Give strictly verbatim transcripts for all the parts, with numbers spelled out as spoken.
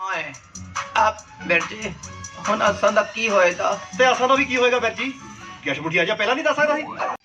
ਓਏ ਆ ਵੀਰ ਜੀ ਹੁਣ ਅਸਾਂ ਦਾ ਕੀ ਹੋਏਗਾ? ਤੇ ਅਸਾਂ ਦਾ ਵੀ ਕੀ ਹੋਏਗਾ ਵੀਰ ਜੀ? ਗੈਸ਼ ਮੁਠੀਆ ਜਾਂ ਪਹਿਲਾਂ ਨਹੀਂ ਦੱਸ ਸਕਦਾ ਸੀ?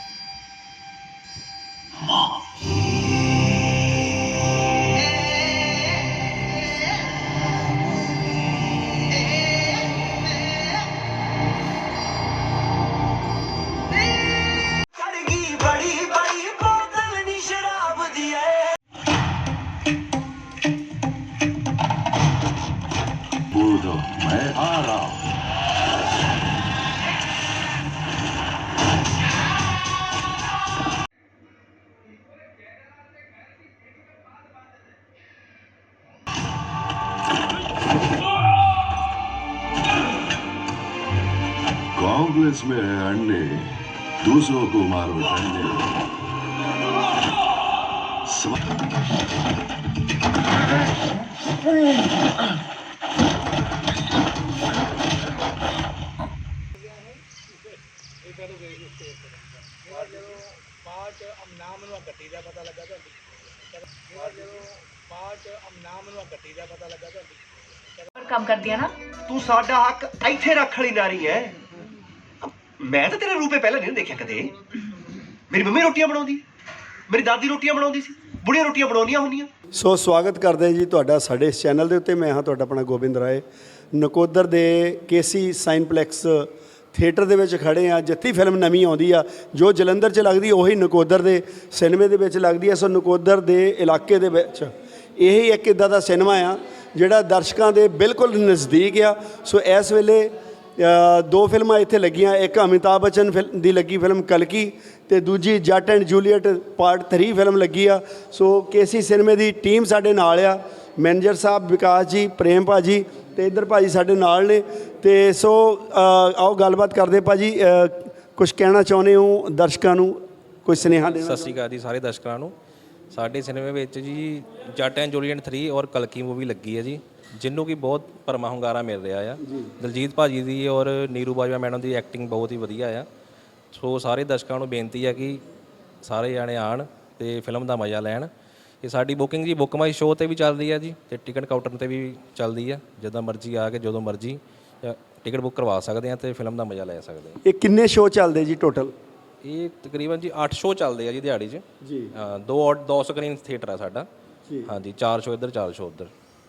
मैं आ रहा हूं। कांग्रेस में है अंडे, दूसरों को मारो डंडे। ਕੰਮ ਕਰਦੀ ਆ ਨਾ ਤੂੰ ਸਾਡਾ ਹੱਕ ਇੱਥੇ ਰੱਖ ਲਈ ਨਾਰੀ ਹੈ। ਮੈਂ ਤਾਂ ਤੇਰੇ ਰੂਪੇ ਪਹਿਲਾਂ ਨਹੀਂ ਦੇਖਿਆ ਕਦੇ। ਮੇਰੀ ਮੰਮੀ ਰੋਟੀਆਂ ਬਣਾਉਂਦੀ, ਮੇਰੀ ਦਾਦੀ ਰੋਟੀਆਂ ਬਣਾਉਂਦੀ ਸੀ, ਬੁੜੀਆਂ ਰੋਟੀਆਂ ਬਣਾਉਣੀਆਂ ਹੁੰਦੀਆਂ। ਸੋ ਸਵਾਗਤ ਕਰਦੇ ਜੀ ਤੁਹਾਡਾ ਸਾਡੇ ਇਸ ਚੈਨਲ ਦੇ ਉੱਤੇ। ਮੈਂ ਹਾਂ ਤੁਹਾਡਾ ਆਪਣਾ ਗੋਬਿੰਦ ਰਾਏ। ਨਕੋਦਰ ਦੇ ਕੇਸੀ ਸਾਈਨਪਲੈਕਸ ਥੀਏਟਰ ਦੇ ਵਿੱਚ ਖੜੇ ਆ, ਜਿੱਥੇ ਫਿਲਮ ਨਵੀਂ ਆਉਂਦੀ ਆ, ਜੋ ਜਲੰਧਰ 'ਚ ਲੱਗਦੀ ਉਹੀ ਨਕੋਦਰ ਦੇ ਸਿਨੇਮੇ ਦੇ ਵਿੱਚ ਲੱਗਦੀ ਆ। ਸੋ ਨਕੋਦਰ ਦੇ ਇਲਾਕੇ ਦੇ ਵਿੱਚ ਇਹ ਇੱਕ ਇੱਦਾਂ ਦਾ ਸਿਨੇਮਾ ਆ ਜਿਹੜਾ ਦਰਸ਼ਕਾਂ ਦੇ ਬਿਲਕੁਲ ਨਜ਼ਦੀਕ ਆ। ਸੋ ਇਸ ਵੇਲੇ ਦੋ ਫਿਲਮਾਂ ਇੱਥੇ ਲੱਗੀਆਂ। ਇੱਕ ਅਮਿਤਾਭ ਬੱਚਨ ਫਿਲਮ ਦੀ ਲੱਗੀ ਫਿਲਮ ਕਲਕੀ, ਅਤੇ ਦੂਜੀ Jatt and Juliet part three film ਲੱਗੀ ਆ। ਸੋ ਕੇਸੀ ਸਿਨੇਮੇ ਦੀ ਟੀਮ ਸਾਡੇ ਨਾਲ ਆ, ਮੈਨੇਜਰ ਸਾਹਿਬ ਵਿਕਾਸ ਜੀ, ਪ੍ਰੇਮ ਭਾਜੀ ਅਤੇ ਇੱਧਰ ਭਾਜੀ ਸਾਡੇ ਨਾਲ ਨੇ। ਅਤੇ ਸੋ ਆਓ ਗੱਲਬਾਤ ਕਰਦੇ। ਭਾਜੀ ਕੁਛ ਕਹਿਣਾ ਚਾਹੁੰਦੇ ਹੋ ਦਰਸ਼ਕਾਂ ਨੂੰ, ਕੋਈ ਸੁਨੇਹਾ ਦੇਣਾ? ਸਤਿ ਸ਼੍ਰੀ ਅਕਾਲ ਜੀ ਸਾਰੇ ਦਰਸ਼ਕਾਂ ਨੂੰ। ਸਾਡੇ ਸਿਨੇਮੇ ਵਿੱਚ ਜੀ ਜੱਟ ਐਂਡ ਜੂਲੀਅਟ ਥਰੀ ਔਰ ਕਲਕੀ ਮੂਵੀ ਲੱਗੀ ਹੈ ਜੀ, ਜਿਹਨੂੰ ਕਿ ਬਹੁਤ ਭਰਮਾ ਹੁੰਗਾਰਾ ਮਿਲ ਰਿਹਾ ਆ। ਦਲਜੀਤ ਭਾਜੀ ਦੀ ਔਰ ਨੀਰੂ ਬਾਜਵਾ ਮੈਡਮ ਦੀ ਐਕਟਿੰਗ ਬਹੁਤ ਹੀ ਵਧੀਆ ਆ। ਸੋ ਸਾਰੇ ਦਰਸ਼ਕਾਂ ਨੂੰ ਬੇਨਤੀ ਹੈ ਕਿ ਸਾਰੇ ਜਾਣੇ ਆਉਣ ਅਤੇ ਫਿਲਮ ਦਾ ਮਜ਼ਾ ਲੈਣ। ਇਹ ਸਾਡੀ ਬੁਕਿੰਗ ਜੀ ਬੁੱਕ ਮਾਈ ਸ਼ੋਅ 'ਤੇ ਵੀ ਚੱਲਦੀ ਹੈ ਜੀ, ਅਤੇ ਟਿਕਟ ਕਾਊਂਟਰ 'ਤੇ ਵੀ ਚੱਲਦੀ ਆ। ਜਦੋਂ ਮਰਜ਼ੀ ਆ ਕੇ ਜਦੋਂ ਮਰਜ਼ੀ ਟਿਕਟ ਬੁੱਕ ਕਰਵਾ ਸਕਦੇ ਆ ਅਤੇ ਫਿਲਮ ਦਾ ਮਜ਼ਾ ਲੈ ਸਕਦੇ ਆ। ਇਹ ਕਿੰਨੇ ਸ਼ੋਅ ਚੱਲਦੇ ਜੀ ਟੋਟਲ? ਇਹ ਤਕਰੀਬਨ ਜੀ ਅੱਠ ਸ਼ੋਅ ਚੱਲਦੇ ਆ ਜੀ ਦਿਹਾੜੀ 'ਚ ਜੀ। ਹਾਂ, ਦੋ ਦੋ ਸਕਰੀਨ ਥੀਏਟਰ ਆ ਸਾਡਾ। ਹਾਂਜੀ, ਚਾਰ ਸ਼ੋਅ ਇੱਧਰ, ਚਾਰ ਸ਼ੋਅ ਉੱਧਰ।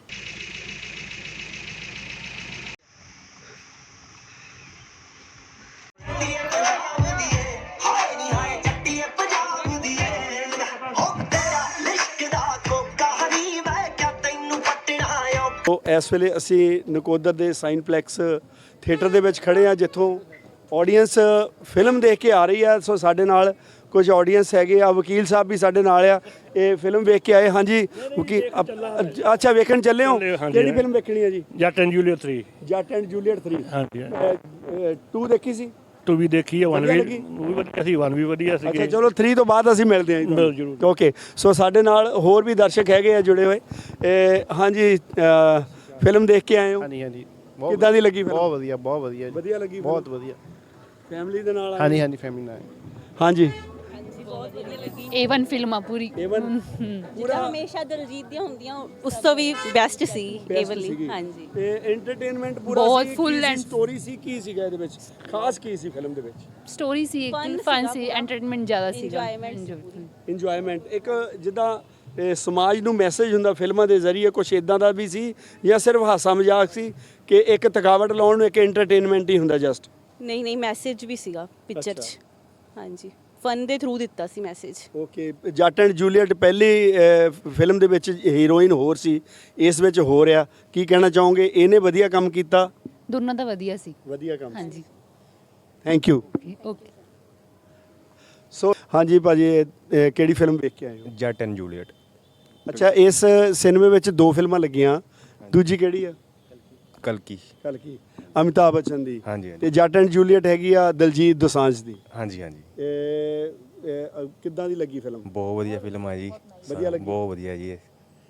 ਸੋ ਇਸ ਵੇਲੇ ਅਸੀਂ ਨਕੋਦਰ ਦੇ ਸਾਈਨਪਲੈਕਸ ਥੀਏਟਰ ਦੇ ਵਿੱਚ ਖੜੇ ਆ, ਜਿੱਥੋਂ ਆਡੀਅנס ਫਿਲਮ ਦੇਖ ਕੇ ਆ ਰਹੀ ਆ। ਸੋ ਸਾਡੇ ਨਾਲ ਕੁਝ ਆਡੀਅנס ਹੈਗੇ ਆ, ਵਕੀਲ ਸਾਹਿਬ ਵੀ ਸਾਡੇ ਨਾਲ ਆ, ਇਹ ਫਿਲਮ ਵੇਖ ਕੇ ਆਏ। ਹਾਂਜੀ ਵਕੀਲ, ਅੱਛਾ ਵੇਖਣ ਚੱਲੇ ਹੋ? ਕਿਹੜੀ ਫਿਲਮ ਵੇਖਣੀ ਹੈ ਜੀ? Jatt and Juliet three. Jatt and Juliet three. ਹਾਂਜੀ, ਟੂ ਦੇਖੀ ਸੀ? ਟੂ ਵੀ ਦੇਖੀ ਹੈ, ਵਨ ਵੀ ਲੱਗੀ? ਵੀ ਵਧੀਆ ਸੀ, ਵਨ ਵੀ ਵਧੀਆ ਸੀ। ਅੱਛਾ ਚਲੋ ਥਰੀ ਤੋਂ ਬਾਅਦ ਅਸੀਂ ਮਿਲਦੇ ਹਾਂ ਮਿਲ ਜ਼ਰੂਰ। ਓਕੇ। ਸੋ ਸਾਡੇ ਨਾਲ ਹੋਰ ਵੀ ਦਰਸ਼ਕ ਹੈਗੇ ਆ ਜੁੜੇ ਹੋਏ। ਹਾਂਜੀ ਫਿਲਮ ਦੇਖ ਕੇ ਆਏ ਹੋ? ਹਾਂਜੀ ਹਾਂਜੀ। ਕਿੱਦਾਂ ਦੀ ਲੱਗੀ ਫਿਲਮ? ਬਹੁਤ ਵਧੀਆ, ਬਹੁਤ ਵਧੀਆ। ਵਧੀਆ ਲੱਗੀ? ਬਹੁਤ ਵਧੀਆ। ਫੈਮਿਲੀ ਦੇ ਨਾਲ ਆਏ? ਹਾਂਜੀ ਹਾਂਜੀ, ਫੈਮਿਲੀ ਨਾਲ। ਹਾਂਜੀ ਏ ਵਨ ਫਿਲਮ ਆ ਪੂਰੀ। ਏ ਵਨ ਪੂਰਾ ਹਮੇਸ਼ਾ ਦਿਲਜੀਤ ਦੀਆਂ ਹੁੰਦੀਆਂ, ਉਸ ਤੋਂ ਵੀ ਬੈਸਟ ਸੀ ਏ ਵਾਲੀ। ਹਾਂਜੀ, ਤੇ ਐਂਟਰਟੇਨਮੈਂਟ ਪੂਰਾ ਬਹੁਤ ਸੀ? full and- ਸਟੋਰੀ ਸੀ? ਕੀ ਸੀਗਾ ਇਹਦੇ ਵਿੱਚ ਖਾਸ? ਕੀ ਸੀ ਫਿਲਮ ਦੇ ਵਿੱਚ? ਸਟੋਰੀ ਸੀ, ਇੱਕ Fun ਫਨ ਸੀਗਾ ਸੀ, ਪੂਰਾ। ਐਂਟਰਟੇਨਮੈਂਟ ਜ਼ਿਆਦਾ ਸੀਗਾ। ਇੰਜੋਇਮੈਂਟ। ਇੰਜੋਇਮੈਂਟ। ਇੱਕ ਜਿੱਦਾਂ ਇਹ ਸਮਾਜ ਨੂੰ ਮੈਸੇਜ ਹੁੰਦਾ ਫਿਲਮਾਂ ਦੇ ਜ਼ਰੀਏ, ਕੁਝ ਇਦਾਂ ਦਾ ਵੀ ਸੀ ਜਾਂ ਸਿਰਫ ਹਾਸਾ ਮਜ਼ਾਕ ਸੀ ਕਿ ਇੱਕ ਥਕਾਵਟ ਲਾਉਣ ਨੂੰ ਇੱਕ ਐਂਟਰਟੇਨਮੈਂਟ ਹੀ ਹੁੰਦਾ ਜਸਟ? ਨਹੀਂ ਨਹੀਂ, ਮੈਸੇਜ ਵੀ ਸੀਗਾ ਪਿਕਚਰ 'ਚ। ਹਾਂਜੀ, ਫਨ ਦੇ ਥਰੂ ਦਿੱਤਾ ਸੀ message. Okay. Jatt and Juliet ਪਹਿਲੀ ਫਿਲਮ ਦੇ ਵਿੱਚ ਹੀਰੋਇਨ ਹੋਰ ਸੀ, ਇਸ ਵਿੱਚ ਹੋ ਰਿਹਾ, ਕੀ ਕਹਿਣਾ ਚਾਹੋਗੇ? ਇਹਨੇ ਵਧੀਆ ਕੰਮ ਕੀਤਾ? ਦੋਨੋਂ ਦਾ ਵਧੀਆ ਸੀ। ਵਧੀਆ ਕੰਮ। ਹਾਂਜੀ, ਥੈਂਕ ਯੂ। ਓਕੇ। ਸੋ ਹਾਂਜੀ ਭਾਜੀ, ਇਹ ਕਿਹੜੀ ਫਿਲਮ ਵੇਖ ਕੇ ਆਏ ਹੋ? ਜੱਟ ਐਂਡ ਜੂਲੀਅਟ। ਅੱਛਾ, ਇਸ ਸਿਨੇਮੇ ਵਿੱਚ ਦੋ ਫਿਲਮਾਂ ਲੱਗੀਆਂ, ਦੂਜੀ ਕਿਹੜੀ ਆ? ਕਲਕੀ। ਕਲਕੀ ਅਮਿਤਾਭ ਬੱਚਨ ਦੀ। ਹਾਂਜੀ ਹਾਂਜੀ। ਤੇ ਜੱਟ ਐਂਡ ਜੂਲੀਅਟ ਹੈਗੀ ਆ ਦਲਜੀਤ ਦੋਸਾਂਝ ਦੀ। ਹਾਂਜੀ ਹਾਂਜੀ। ਇਹ ਕਿੱਦਾਂ ਦੀ ਲੱਗੀ ਫਿਲਮ? ਬਹੁਤ ਵਧੀਆ ਫਿਲਮ ਆ ਜੀ। ਵਧੀਆ ਲੱਗੀ? ਬਹੁਤ ਵਧੀਆ ਜੀ।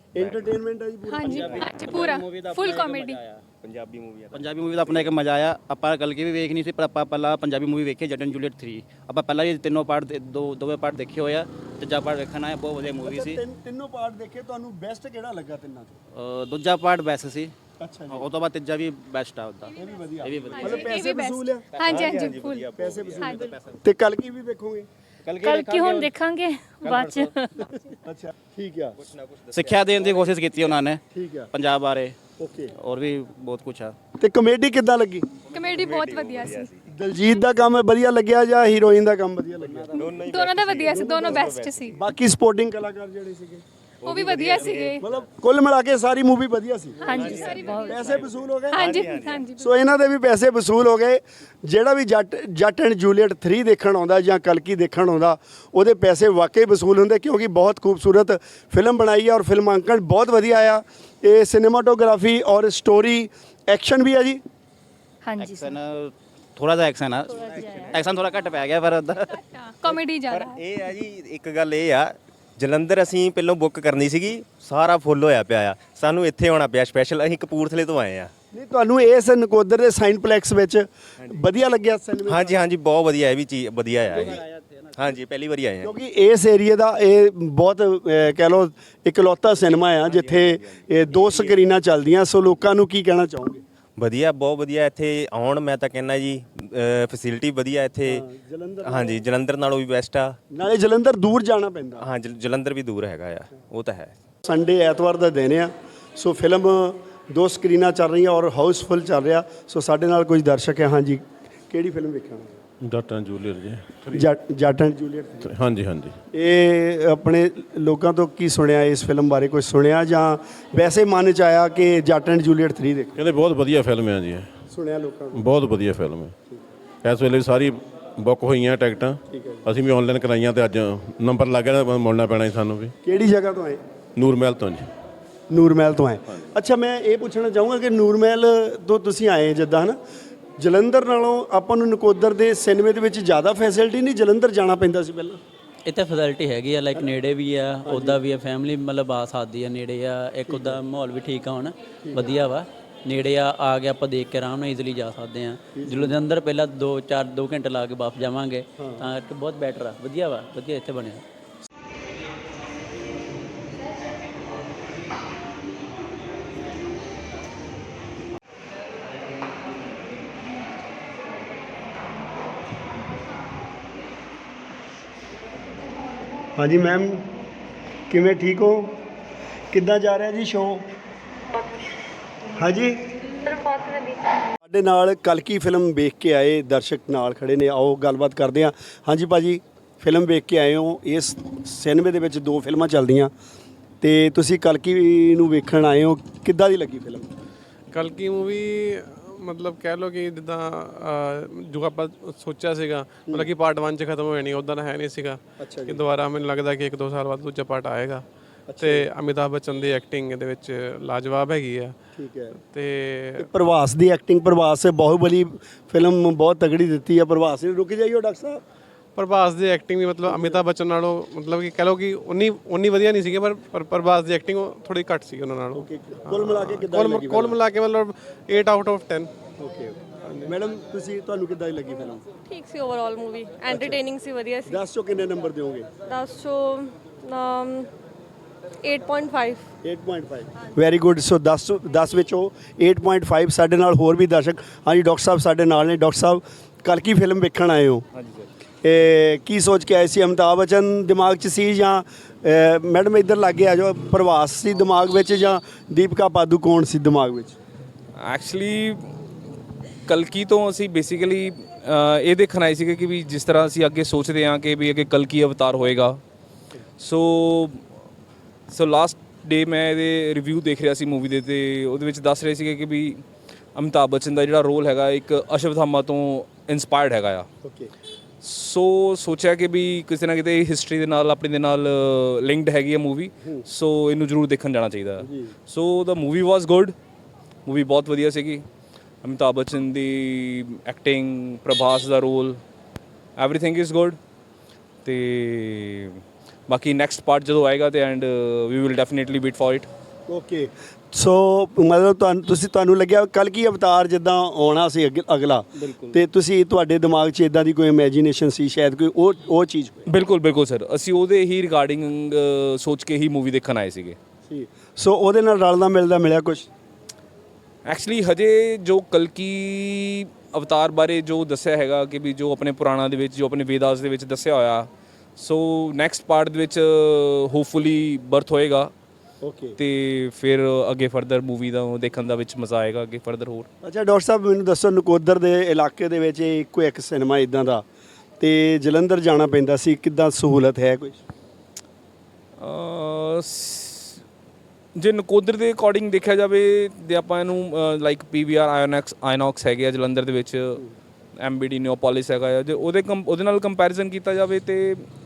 ਐਂਟਰਟੇਨਮੈਂਟ ਹੈ ਜੀ ਪੂਰਾ ਹਾਂਜੀ ਹਾਂਜੀ ਪੂਰਾ ਫੁੱਲ ਕਾਮੇਡੀ ਪੰਜਾਬੀ ਮੂਵੀ ਆ ਪੰਜਾਬੀ ਮੂਵੀ ਦਾ ਆਪਣਾ ਇੱਕ ਮਜ਼ਾ ਆਇਆ। ਆਪਾਂ ਕਲਕੀ ਵੀ ਵੇਖਣੀ ਸੀ ਪਰ ਆਪਾਂ ਪਹਿਲਾਂ ਪੰਜਾਬੀ ਮੂਵੀ ਵੇਖੀ ਜੱਟ ਐਂਡ ਜੂਲੀਅਟ ਥ੍ਰੀ। ਆਪਾਂ ਪਹਿਲਾਂ ਹੀ ਤਿੰਨੋਂ ਪਾਰਟ ਦੋ ਦੋਵੇਂ ਪਾਰਟ ਦੇਖੇ ਹੋਏ ਆ। ਤੀਜਾ ਪਾਰਟ ਵੇਖਣ ਆਇਆ, ਬਹੁਤ ਵਧੀਆ ਮੂਵੀ ਸੀ। ਤਿੰਨ- ਤਿੰਨੋਂ ਪਾਰਟ ਦੇਖੇ, ਤੁਹਾਨੂੰ ਬੈਸਟ ਕਿਹੜਾ ਲੱਗਾ ਤਿੰਨਾਂ ਚੋਂ? ਅ, ਦੂਜਾ ਪਾਰਟ ਬੈਸਟ ਸੀ। ਅੱਛਾ ਜੀ, ਉਹ ਤੋਂ ਬਾਅਦ ਤੀਜਾ ਵੀ ਬੈਸਟ ਆ ਉਹਦਾ। ਇਹ ਵੀ ਵਧੀਆ, ਇਹ ਵੀ ਵਧੀਆ। ਮਤਲਬ ਪੈਸੇ ਵਸੂਲ ਆ, ਹਾਂਜੀ ਹਾਂਜੀ ਫੁੱਲ ਪੈਸੇ ਵਸੂਲ ਤੇ ਕੱਲ ਕੀ ਵੀ ਵੇਖੋਗੇ? ਕੱਲ ਕੀ ਹੁਣ ਦੇਖਾਂਗੇ ਬਾਅਦ ਚ। ਅੱਛਾ ਠੀਕ ਆ, ਸਿੱਖਿਆ ਦੇਣ ਦੀ ਕੋਸ਼ਿਸ਼ ਕੀਤੀ ਉਹਨਾਂ ਨੇ ਠੀਕ ਆ, ਪੰਜਾਬ ਬਾਰੇ, ਓਕੇ। ਹੋਰ ਵੀ ਬਹੁਤ ਕੁਝ ਆ। ਤੇ ਕਮੇਡੀ ਕਿੱਦਾਂ ਲੱਗੀ? ਕਮੇਡੀ ਬਹੁਤ ਵਧੀਆ ਸੀ। ਦਲਜੀਤ ਦਾ ਕੰਮ ਵਧੀਆ ਲੱਗਿਆ ਜਾਂ ਹੀਰੋਇਨ ਦਾ ਕੰਮ ਵਧੀਆ ਲੱਗਿਆ? ਦੋਨੋਂ ਦਾ ਵਧੀਆ ਸੀ, ਦੋਨੋਂ ਬੈਸਟ ਸੀ। ਬਾਕੀ ਸਪੋਰਟਿੰਗ ਕਲਾਕਾਰ ਜਿਹੜੇ ਸੀਗੇ ਉਹ ਵੀ ਵਧੀਆ ਸੀਗੇ। ਮਤਲਬ ਕੁੱਲ ਮਿਲਾ ਕੇ ਸਾਰੀ ਮੂਵੀ ਵਧੀਆ ਸੀ। ਹਾਂਜੀ ਸਾਰੀ ਬਹੁਤ ਪੈਸੇ ਵਸੂਲ ਹੋ ਗਏ? ਹਾਂਜੀ ਹਾਂਜੀ ਸੋ ਇਹਨਾਂ ਦੇ ਵੀ ਪੈਸੇ ਵਸੂਲ ਹੋ ਗਏ। ਜਿਹੜਾ ਵੀ ਜੱਟ ਜੱਟ ਐਂਡ ਜੂਲੀਅਟ ਥ੍ਰੀ ਦੇਖਣ ਆਉਂਦਾ ਜਾਂ ਕਲਕੀ ਦੇਖਣ ਆਉਂਦਾ, ਉਹਦੇ ਪੈਸੇ ਵਾਕਈ ਵਸੂਲ ਹੁੰਦੇ, ਕਿਉਂਕਿ ਬਹੁਤ ਖੂਬਸੂਰਤ ਫਿਲਮ ਬਣਾਈ ਆ ਔਰ ਫਿਲਮਾਂਕਣ ਬਹੁਤ ਵਧੀਆ ਆ। ਇਹ ਸਿਨੇਮਾਟੋਗ੍ਰਾਫੀ ਔਰ ਸਟੋਰੀ, ਐਕਸ਼ਨ ਵੀ ਆ ਜੀ। ਹਾਂਜੀ ਐਕਸ਼ਨ ਥੋੜਾ ਜਿਹਾ ਐਕਸ਼ਨ ਆ, ਐਕਸ਼ਨ ਥੋੜਾ ਘੱਟ ਪੈ ਗਿਆ ਪਰ ਉਹਦਾ ਕਾਮੇਡੀ ਜ਼ਿਆਦਾ ਪਰ ਇਹ ਆ ਜੀ, ਇੱਕ ਗੱਲ ਇਹ ਆ, ਜਲੰਧਰ ਅਸੀਂ ਪਹਿਲਾਂ ਬੁੱਕ ਕਰਨੀ ਸੀਗੀ, ਸਾਰਾ ਫੁੱਲ ਹੋਇਆ ਪਿਆ ਆ। ਸਾਨੂੰ ਇੱਥੇ ਆਉਣਾ ਪਿਆ ਸਪੈਸ਼ਲ, ਅਸੀਂ ਕਪੂਰਥਲੇ ਤੋਂ ਆਏ ਆ। ਨਹੀਂ, ਤੁਹਾਨੂੰ ਇਸ ਨਕੋਦਰ ਦੇ ਸਾਈਨਪਲੈਕਸ ਵਿੱਚ ਵਧੀਆ ਲੱਗਿਆ ਸਿਨੇਮਾ? ਹਾਂਜੀ ਹਾਂਜੀ ਬਹੁਤ ਵਧੀਆ, ਇਹ ਵੀ ਚੀਜ਼ ਵਧੀਆ ਆ ਜੀ। ਹਾਂਜੀ ਪਹਿਲੀ ਵਾਰੀ ਆਏ ਆ। ਕਿਉਂਕਿ ਇਸ ਏਰੀਆ ਦਾ ਇਹ ਬਹੁਤ ਅਹ, ਕਹਿ ਲਓ ਇਕਲੌਤਾ ਸਿਨੇਮਾ ਆ ਜਿੱਥੇ ਇਹ ਦੋ ਸਕਰੀਨਾਂ ਚੱਲਦੀਆਂ। ਸੋ ਲੋਕਾਂ ਨੂੰ ਕੀ ਕਹਿਣਾ ਚਾਹੋਗੇ? ਵਧੀਆ, ਬਹੁਤ ਵਧੀਆ ਇੱਥੇ ਆਉਣ। ਮੈਂ ਤਾਂ ਕਹਿੰਦਾ ਜੀ ਫੈਸਿਲਿਟੀ ਵਧੀਆ ਇੱਥੇ। ਹਾਂਜੀ ਜਲੰਧਰ ਨਾਲੋਂ ਵੀ ਬੈਸਟ ਆ। ਨਾਲੇ ਜਲੰਧਰ ਦੂਰ ਜਾਣਾ ਪੈਂਦਾ। ਹਾਂ ਜਲ- ਜਲੰਧਰ ਵੀ ਦੂਰ ਹੈਗਾ ਆ, ਉਹ ਤਾਂ ਹੈ। ਸੰਡੇ ਐਤਵਾਰ ਦਾ ਦਿਨ ਆ, ਸੋ ਫਿਲਮ ਦੋ ਸਕਰੀਨਾਂ ਚੱਲ ਰਹੀਆਂ ਔਰ ਹਾਊਸਫੁੱਲ ਚੱਲ ਰਿਹਾ। ਸੋ ਸਾਡੇ ਨਾਲ ਕੁਝ ਦਰਸ਼ਕ ਹੈ। ਹਾਂਜੀ, ਕਿਹੜੀ ਫਿਲਮ ਵੇਖਣਾ? ਜੱਟ ਐਂਡ ਜੂਲੀਅਟ ਜੀ। ਜੱਟ ਜੱਟ ਐਂਡ ਜੂਲੀਅਟ। ਹਾਂਜੀ ਹਾਂਜੀ ਇਹ ਆਪਣੇ ਲੋਕਾਂ ਤੋਂ ਕੀ ਸੁਣਿਆ ਇਸ ਫਿਲਮ ਬਾਰੇ? ਕੁਝ ਸੁਣਿਆ ਜਾਂ ਵੈਸੇ ਮਨ ਚ ਆਇਆ ਕਿ ਜੱਟ ਐਂਡ ਜੂਲੀਅਟ ਥ੍ਰੀ ਦੇਖ? ਕਹਿੰਦੇ ਬਹੁਤ ਵਧੀਆ ਫਿਲਮ ਹੈ ਜੀ ਇਹ। ਸੁਣਿਆ ਲੋਕਾਂ ਨੂੰ? ਬਹੁਤ ਵਧੀਆ ਫਿਲਮ ਹੈ। ਇਸ ਵੇਲੇ ਸਾਰੀ ਬੁੱਕ ਹੋਈਆਂ ਟਿਕਟਾਂ, ਅਸੀਂ ਵੀ ਆਨਲਾਈਨ ਕਰਾਈਆਂ ਤੇ ਅੱਜ ਨੰਬਰ ਲੱਗ ਗਿਆ, ਮੁੜਨਾ ਪੈਣਾ ਸੀ ਸਾਨੂੰ ਵੀ। ਕਿਹੜੀ ਜਗ੍ਹਾ ਤੋਂ ਆਏ? ਨੂਰਮਹਿਲ ਤੋਂ ਜੀ। ਨੂਰਮਹਿਲ ਤੋਂ ਆਏ। ਅੱਛਾ, ਮੈਂ ਇਹ ਪੁੱਛਣਾ ਚਾਹੂੰਗਾ ਕਿ ਨੂਰਮਹਿਲ ਤੋਂ ਤੁਸੀਂ ਆਏ ਜਿੱਦਾਂ ਹਨਾ, ਜਲੰਧਰ ਨਾਲੋਂ ਆਪਾਂ ਨੂੰ ਨਕੋਦਰ ਦੇ ਸਿਨੇਮੇ ਦੇ ਵਿੱਚ ਜ਼ਿਆਦਾ ਫੈਸਿਲਿਟੀ ਨਹੀਂ? ਜਲੰਧਰ ਜਾਣਾ ਪੈਂਦਾ ਸੀ ਪਹਿਲਾਂ? ਇੱਥੇ ਫੈਸਿਲਿਟੀ ਹੈਗੀ ਆ, ਲਾਈਕ ਨੇੜੇ ਵੀ ਆ, ਉੱਦਾਂ ਵੀ ਆ, ਫੈਮਿਲੀ ਮਤਲਬ ਆ ਸਕਦੀ ਆ, ਨੇੜੇ ਆ। ਇੱਕ ਉੱਦਾਂ ਮਾਹੌਲ ਵੀ ਠੀਕ ਆ, ਹੁਣ ਵਧੀਆ ਵਾ, ਨੇੜੇ ਆ, ਆ ਕੇ ਆਪਾਂ ਦੇਖ ਕੇ ਆਰਾਮ ਨਾਲ ਈਜ਼ੀਲੀ ਜਾ ਸਕਦੇ ਆ। ਜਲੰਧਰ ਪਹਿਲਾਂ ਦੋ ਚਾਰ ਦੋ ਘੰਟੇ ਲਾ ਕੇ ਵਾਪਸ ਜਾਵਾਂਗੇ, ਤਾਂ ਕਰਕੇ ਬਹੁਤ ਬੈਟਰ ਆ, ਵਧੀਆ ਵਾ, ਵਧੀਆ ਇੱਥੇ ਬਣਿਆ। ਹਾਂਜੀ ਮੈਮ, ਕਿਵੇਂ, ਠੀਕ ਹੋ? ਕਿੱਦਾਂ ਜਾ ਰਿਹਾ ਜੀ ਸ਼ੋਅ? ਹਾਂਜੀ, ਸਾਡੇ ਨਾਲ ਕਲਕੀ ਫਿਲਮ ਵੇਖ ਕੇ ਆਏ ਦਰਸ਼ਕ ਨਾਲ ਖੜੇ ਨੇ, ਆਓ ਗੱਲਬਾਤ ਕਰਦੇ ਹਾਂ। ਹਾਂਜੀ ਭਾਜੀ, ਫਿਲਮ ਵੇਖ ਕੇ ਆਏ ਹੋ। ਇਸ ਸਿਨੇਮੇ ਦੇ ਵਿੱਚ ਦੋ ਫਿਲਮਾਂ ਚੱਲਦੀਆਂ ਤੇ ਤੁਸੀਂ ਕਲਕੀ ਨੂੰ ਵੇਖਣ ਆਏ ਹੋ, ਕਿੱਦਾਂ ਦੀ ਲੱਗੀ ਫਿਲਮ? ਕਲਕੀ ਮੂਵੀ ਮਤਲਬ ਕਹਿ ਲਓ ਕਿ ਜਿੱਦਾਂ ਜੋ ਆਪਾਂ ਸੋਚਿਆ ਸੀਗਾ, ਮਤਲਬ ਕਿ ਪਾਰਟ ਵਨ 'ਚ ਖਤਮ ਹੋ ਜਾਣੀ, ਉੱਦਾਂ ਹੈ ਨਹੀਂ ਸੀਗਾ ਕਿ ਦੁਬਾਰਾ ਮੈਨੂੰ ਲੱਗਦਾ ਕਿ ਇੱਕ ਦੋ ਸਾਲ ਬਾਅਦ ਦੂਜਾ ਪਾਰਟ ਆਏਗਾ। ਤੇ ਅਮਿਤਾਭ ਬੱਚਨ ਦੀ ਐਕਟਿੰਗ ਇਹਦੇ ਵਿੱਚ ਲਾਜਵਾਬ ਹੈਗੀ ਆ। ਠੀਕ ਹੈ। ਤੇ ਪ੍ਰਭਾਸ ਦੀ ਐਕਟਿੰਗ, ਪ੍ਰਭਾਸ ਬਾਹੁਬਲੀ ਫਿਲਮ ਬਹੁਤ ਤਗੜੀ ਦਿੱਤੀ ਆ। ਪ੍ਰਭਾਸ ਨੇ ਰੁਕ ਜਾਈਓ ਡਾਕਟਰ ਸਾਹਿਬ। ਪ੍ਰਭਾਸ ਦੀ ਐਕਟਿੰਗ ਵੀ ਮਤਲਬ ਅਮਿਤਾਭ ਬੱਚਨ ਨਾਲੋਂ ਮਤਲਬ ਕਿ ਕਹਿ ਲਓ ਕਿ ਉਨੀ ਉਨੀ ਵਧੀਆ ਨਹੀਂ ਸੀਗੀ, ਪਰ ਪਰ ਪ੍ਰਭਾਸ ਦੀ ਐਕਟਿੰਗ ਥੋੜੀ ਘੱਟ ਸੀ ਉਹਨਾਂ ਨਾਲੋਂ। ਕੁੱਲ ਮਿਲਾ ਕੇ ਕਿੱਦਾਂ ਲੱਗੀ? ਕੁੱਲ ਮਿਲਾ ਕੇ ਮਤਲਬ ਅੱਠ ਆਊਟ ਆਫ ਦਸ। ਓਕੇ ਮੈਡਮ, ਤੁਸੀਂ ਤੁਹਾਨੂੰ ਕਿੱਦਾਂ ਦੀ ਲੱਗੀ ਫਿਲਮ? ਠੀਕ ਸੀ ਓਵਰਆਲ ਮੂਵੀ, ਐਂਟਰਟੇਨਿੰਗ ਸੀ, ਵਧੀਆ ਸੀ। ਦਸ ਚੋਂ ਕਿੰਨੇ ਨੰਬਰ ਦਿਓਗੇ? ਦਸ ਚੋਂ ਅੱਠ ਪੁਆਇੰਟ ਪੰਜ। ਅੱਠ ਪੁਆਇੰਟ ਪੰਜ, ਵੈਰੀ ਗੁੱਡ। ਸੋ ਦਸ ਦਸ ਵਿੱਚੋਂ ਅੱਠ ਪੁਆਇੰਟ ਪੰਜ। ਸਾਡੇ ਨਾਲ ਹੋਰ ਵੀ ਦਰਸ਼ਕ, ਹਾਂਜੀ ਡਾਕਟਰ ਸਾਹਿਬ ਸਾਡੇ ਨਾਲ ਨੇ। ਡਾਕਟਰ ਸਾਹਿਬ, ਕਲਕੀ ਫਿਲਮ ਵੇਖਣ ਆਏ ਹੋ? ਹਾਂਜੀ ਸਰ। ਇਹ ਕੀ ਸੋਚ ਕੇ ਆਏ ਸੀ? ਅਮਿਤਾਭ ਬੱਚਨ ਦਿਮਾਗ 'ਚ ਸੀ ਜਾਂ ਮੈਡਮ ਇੱਧਰ ਲੱਗੇ ਆ ਜਾਓ, ਪ੍ਰਭਾਸ ਸੀ ਦਿਮਾਗ ਵਿੱਚ ਜਾਂ ਦੀਪਿਕਾ ਪਾਦੂਕੋਣ ਸੀ ਦਿਮਾਗ ਵਿੱਚ? ਐਕਚੁਅਲੀ ਕਲਕੀ ਤੋਂ ਅਸੀਂ ਬੇਸਿਕਲੀ ਇਹ ਦੇਖਣ ਆਏ ਸੀਗੇ ਕਿ ਵੀ ਜਿਸ ਤਰ੍ਹਾਂ ਅਸੀਂ ਅੱਗੇ ਸੋਚਦੇ ਹਾਂ ਕਿ ਵੀ ਅੱਗੇ ਕਲਕੀ ਅਵਤਾਰ ਹੋਏਗਾ। ਸੋ ਸੋ ਲਾਸਟ ਡੇ ਮੈਂ ਇਹਦੇ ਰਿਵਿਊ ਦੇਖ ਰਿਹਾ ਸੀ ਮੂਵੀ ਦੇ, ਤੇ ਉਹਦੇ ਵਿੱਚ ਦੱਸ ਰਹੇ ਸੀਗੇ ਕਿ ਵੀ ਅਮਿਤਾਭ ਬੱਚਨ ਦਾ ਜਿਹੜਾ ਰੋਲ ਹੈਗਾ ਇੱਕ ਅਸ਼ਵਥਾਮਾ ਤੋਂ ਇਨਸਪਾਇਰਡ ਹੈਗਾ ਆ। ਓਕੇ। ਸੋ ਸੋਚਿਆ ਕਿ ਵੀ ਕਿਸੇ ਨਾ ਕਿਤੇ ਹਿਸਟਰੀ ਦੇ ਨਾਲ ਆਪਣੀ ਦੇ ਨਾਲ ਲਿੰਕਡ ਹੈਗੀ ਹੈ ਮੂਵੀ, ਸੋ ਇਹਨੂੰ ਜ਼ਰੂਰ ਦੇਖਣ ਜਾਣਾ ਚਾਹੀਦਾ। So the movie was good, movie ਬਹੁਤ ਵਧੀਆ ਸੀਗੀ। ਅਮਿਤਾਭ ਬੱਚਨ ਦੀ ਐਕਟਿੰਗ, ਪ੍ਰਭਾਸ ਦਾ ਰੋਲ, ਐਵਰੀਥਿੰਗ ਇਜ਼ ਗੁੱਡ। ਤੇ ਬਾਕੀ ਨੈਕਸਟ ਪਾਰਟ ਜਦੋਂ ਆਏਗਾ ਤੇ and we will definitely wait for it. Okay so ਮਤਲਬ ਤੁਹਾਨੂੰ ਤੁਸੀਂ ਤੁਹਾਨੂੰ ਲੱਗਿਆ ਕੱਲ ਕੀ ਅਵਤਾਰ ਜਿੱਦਾਂ ਆਉਣਾ ਸੀ ਅੱਗੇ- ਅਗਲਾ ਤੇ ਤੁਸੀਂ ਤੁਹਾਡੇ ਦਿਮਾਗ 'ਚ ਇਦਾਂ ਦੀ ਕੋਈ ਇਮੇਜਿਨੇਸ਼ਨ ਸੀ ਸ਼ਾਇਦ ਕੋਈ ਉਹ ਉਹ ਚੀਜ਼ ਬਿਲਕੁਲ ਬਿਲਕੁਲ ਸਰ, ਅਸੀਂ ਉਹਦੇ ਹੀ ਰਿਗਾਰਡਿੰਗ ਸੋਚ ਕੇ ਹੀ ਮੂਵੀ ਦੇਖਣ ਆਏ ਸੀਗੇ। ਸੀ ਸੋ ਉਹਦੇ ਨਾਲ ਰਲਦਾ ਮਿਲਦਾ ਮਿਲਿਆ ਕੁਝ? ਐਕਚੁਅਲੀ ਹਜੇ ਜੋ ਕਲਕੀ ਅਵਤਾਰ ਬਾਰੇ ਜੋ ਦੱਸਿਆ ਹੈਗਾ ਕਿ ਵੀ ਜੋ ਆਪਣੇ ਪੁਰਾਣਾ ਦੇ ਵਿੱਚ ਜੋ ਆਪਣੇ ਵੇਦਾਸ ਦੇ ਵਿੱਚ ਦੱਸਿਆ ਹੋਇਆ, ਸੋ ਨੈਕਸਟ ਪਾਰਟ ਦੇ ਵਿੱਚ ਹੋਪਫੁਲੀ ਬਰਥ ਹੋਏਗਾ। ਓਕੇ ਤੇ ਫਿਰ ਅੱਗੇ ਫਰਦਰ ਮੂਵੀ ਦਾ ਦੇਖਣ ਦਾ ਵਿੱਚ ਮਜ਼ਾ ਆਏਗਾ ਅੱਗੇ ਫਰਦਰ ਹੋਰ। ਅੱਛਾ ਡਾਕਟਰ ਸਾਹਿਬ ਮੈਨੂੰ ਦੱਸੋ ਨਕੋਦਰ ਦੇ ਇਲਾਕੇ ਦੇ ਵਿੱਚ ਇਹ ਇੱਕੋ ਇੱਕ ਸਿਨੇਮਾ ਇਦਾਂ ਦਾ ਤੇ ਜਲੰਧਰ ਜਾਣਾ ਪੈਂਦਾ ਸੀ, ਕਿੱਦਾਂ ਸਹੂਲਤ ਹੈ ਕੋਈ? ਅਹ ਸ- ਜੇ ਨਕੋਦਰ ਦੇ ਅਕੋਰਡਿੰਗ ਦੇਖਿਆ ਜਾਵੇ ਤੇ ਆਪਾਂ ਇਹਨੂੰ ਲਾਈਕ ਪੀਵੀਆਰ ਆਇਨੋਕਸ ਆਇਨੋਕਸ ਹੈਗੇ ਆ ਜਲੰਧਰ ਦੇ ਵਿੱਚ, ਐਮਬੀਡੀ ਨਿਓਪੋਲਿਸ ਹੈਗਾ ਆ, ਜੇ ਉਹਦੇ ਕੰਪ ਉਹਦੇ ਨਾਲ ਕੰਪੈਰੀਜ਼ਨ ਕੀਤਾ ਜਾਵੇ ਤੇ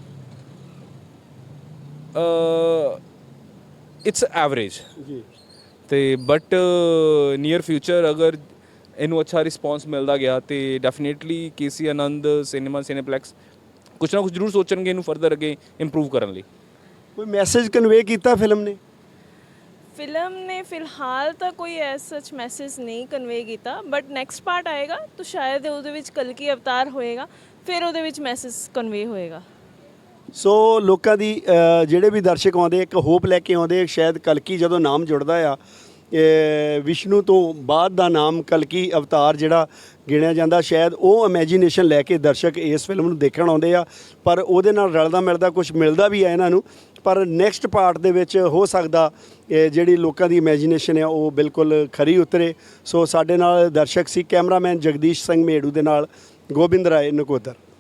ਇਟਸ ਐਵਰੇਜ ਜੀ ਤੇ ਬਟ ਨੀਅਰ ਫਿਊਚਰ ਅਗਰ ਇਹਨੂੰ ਅੱਛਾ ਰਿਸਪੌਂਸ ਮਿਲਦਾ ਗਿਆ ਤੇ ਡੈਫੀਨੇਟਲੀ ਕੇਸੀ ਆਨੰਦ ਸਿਨੇਮਾ ਸਿਨੇਪਲੈਕਸ ਕੁਛ ਨਾ ਕੁਛ ਜ਼ਰੂਰ ਸੋਚਣਗੇ ਇਹਨੂੰ ਫਰਦਰ ਅੱਗੇ ਇੰਪਰੂਵ ਕਰਨ ਲਈ। ਕੋਈ ਮੈਸੇਜ ਕਨਵੇ ਕੀਤਾ ਫਿਲਮ ਨੇ? ਫਿਲਮ ਨੇ ਫਿਲਹਾਲ ਤਾਂ ਕੋਈ ਐਸ ਸੱਚ ਮੈਸੇਜ ਨਹੀਂ ਕਨਵੇ ਕੀਤਾ, ਬਟ ਨੈਕਸਟ ਪਾਰਟ ਆਏਗਾ ਤਾਂ ਸ਼ਾਇਦ ਉਹਦੇ ਵਿੱਚ ਕਲਕੀ ਅਵਤਾਰ ਹੋਏਗਾ, ਫਿਰ ਉਹਦੇ ਵਿੱਚ ਮੈਸੇਜ ਕਨਵੇ ਹੋਏਗਾ। ਸੋ ਲੋਕਾਂ ਦੀ ਅ, ਜਿਹੜੇ ਵੀ ਦਰਸ਼ਕ ਆਉਂਦੇ ਇੱਕ ਹੋਪ ਲੈ ਕੇ ਆਉਂਦੇ, ਸ਼ਾਇਦ ਕਲਕੀ ਜਦੋਂ ਨਾਮ ਜੁੜਦਾ ਆ ਇਹ ਵਿਸ਼ਨੂੰ ਤੋਂ ਬਾਅਦ ਦਾ ਨਾਮ ਕਲਕੀ ਅਵਤਾਰ ਜਿਹੜਾ ਗਿਣਿਆ ਜਾਂਦਾ, ਸ਼ਾਇਦ ਉਹ ਇਮੇਜਿਨੇਸ਼ਨ ਲੈ ਕੇ ਦਰਸ਼ਕ ਇਸ ਫਿਲਮ ਨੂੰ ਦੇਖਣ ਆਉਂਦੇ ਆ, ਪਰ ਉਹਦੇ ਨਾਲ ਰਲਦਾ ਮਿਲਦਾ ਕੁਝ ਮਿਲਦਾ ਵੀ ਹੈ ਇਹਨਾਂ ਨੂੰ। ਪਰ ਨੈਕਸਟ ਪਾਰਟ ਦੇ ਵਿੱਚ ਹੋ ਸਕਦਾ ਇਹ ਜਿਹੜੀ ਲੋਕਾਂ ਦੀ ਇਮੇਜਿਨੇਸ਼ਨ ਆ ਉਹ ਬਿਲਕੁਲ ਖਰੀ ਉਤਰੇ। ਸੋ ਸਾਡੇ ਨਾਲ ਦਰਸ਼ਕ ਸੀ ਕੈਮਰਾਮੈਨ ਜਗਦੀਸ਼ ਸਿੰਘ ਮੇੜੂ ਦੇ ਨਾਲ ਗੋਬਿੰਦ ਰਾਏ ਨਕੋਦਰ।